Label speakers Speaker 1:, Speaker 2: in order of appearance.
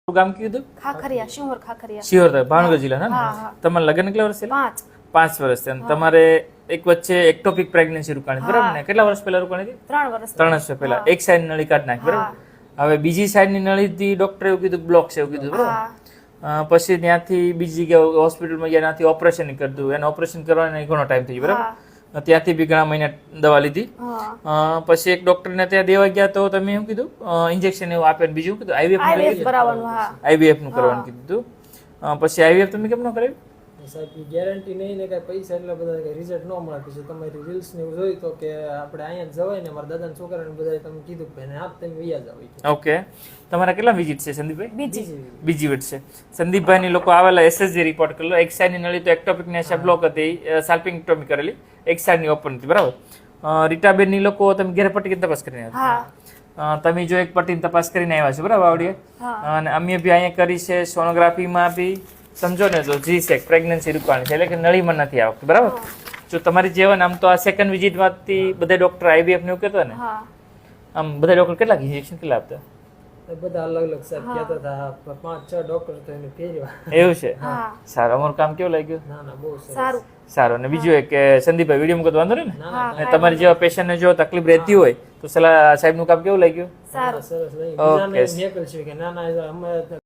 Speaker 1: ગામ કીધું
Speaker 2: ખાખરિયા શિહોર ખાખરિયા
Speaker 1: શિહોર ભાવનગર જિલ્લા
Speaker 2: હા,
Speaker 1: ને
Speaker 2: હા.
Speaker 1: તમારે લગ્ન કેટલા વર્ષ થયેલા
Speaker 2: 5
Speaker 1: 5 વર્ષ થયા તમારે એક વચ્ચે એક્ટોપિક પ્રેગ્નન્સી રોકાણી બરાબર ને કેટલા વર્ષ પહેલા રોકાણી હતી
Speaker 2: 3 વર્ષ
Speaker 1: 3 વર્ષ પહેલા એક સાઈડ નળી કાઢ નાખી બરાબર હવે બીજી સાઈડ ની નળી થી ડોક્ટરે એવું કીધું બ્લોક છે એવું કીધું બરાબર પછી ત્યાંથી બીજી જગ્યાએ હોસ્પિટલમાં ગયા ત્યાંથી ઓપરેશન કર્યું એને ઓપરેશન કરવાનો ઘણો ટાઈમ થઈ ગયો બરાબર ત્યાંથી બી ઘણા મહિના દવા લીધી પછી એક ડોક્ટરને ત્યાં દેવા ગયા તો તમે શું કીધું ઇન્જેક્શન એવું આપે બીજું કીધું
Speaker 2: આઈવીએફ કરાવવાનું
Speaker 1: આઈવીએફ નું કરવાનું કીધું પછી આઈવીએફ તમે કેમ ન કરાવ્યું
Speaker 3: સાહેબ ગેરંટી નહીં ને કઈ પૈસા એટલા બધા કઈ રિઝલ્ટ ન મળે પછી તમારી રીલ્સ ને એવું જોઈ તો કે આપણે અહીંયા જવાય ને મારા દાદાના છોકરાને બધા તમે કીધું કે ભાઈ આપ તમે વૈયા જાવ
Speaker 1: ઓકે તમારા કેટલા વિઝિટ છે સંદીપભાઈ
Speaker 2: બીજી
Speaker 1: બીજી વિઝિટ છે સંદીપભાઈ ની લોકો આવેલા એસએસજી રિપોર્ટ કરેલો એક સાઈડ ની નળી તો એક્ટોપિક ને બ્લોક હતી સાલ્પિંગેક્ટોમી કરેલી એક સાઈડ ની ઓપન હતી બરાબર રીટાબેન ની લોકો તમે ઘેર પટ્ટી તપાસ કરીને આવ્યા તમે જો એક પટ્ટીની તપાસ કરીને આવ્યા છો બરાબર આવડીએ અને અમે બી અહીંયા કરી છે સોનોગ્રાફીમાં બી સમજો ને તો જી સેક પ્રેગ્નન્સી રૂપાણી છે એટલે કે નળીમાં નથી આવતું બરાબર જો તમારી જેવન આમ તો આ સેકન્ડ વિઝિટમાંથી બધા ડોક્ટર આઈવીએફ ને એવું કહેતા ને આમ બધા ડોક્ટર કેટલા ઇન્જેક્શન કેટલા આપતા
Speaker 3: બધા અલગ અલગ સાહેબ કહેતા હતા 5-6 ડોક્ટર તો એને ફેરવા
Speaker 1: એવું છે સારું અમારું કામ કેવું લાગ્યું
Speaker 3: ના ના બહુ
Speaker 2: સારું
Speaker 1: સારું અને બીજું એક કે સંદીપભાઈ વિડીયો મૂકતો વાંધો ને તમારી જેવા પેશન્ટને જો તકલીફ રહેતી હોય તો સલાહ સાહેબનું કામ કેવું લાગ્યું
Speaker 2: સારું
Speaker 3: સરસ નહીં બીજાને મેકલ છે કે ના ના અમે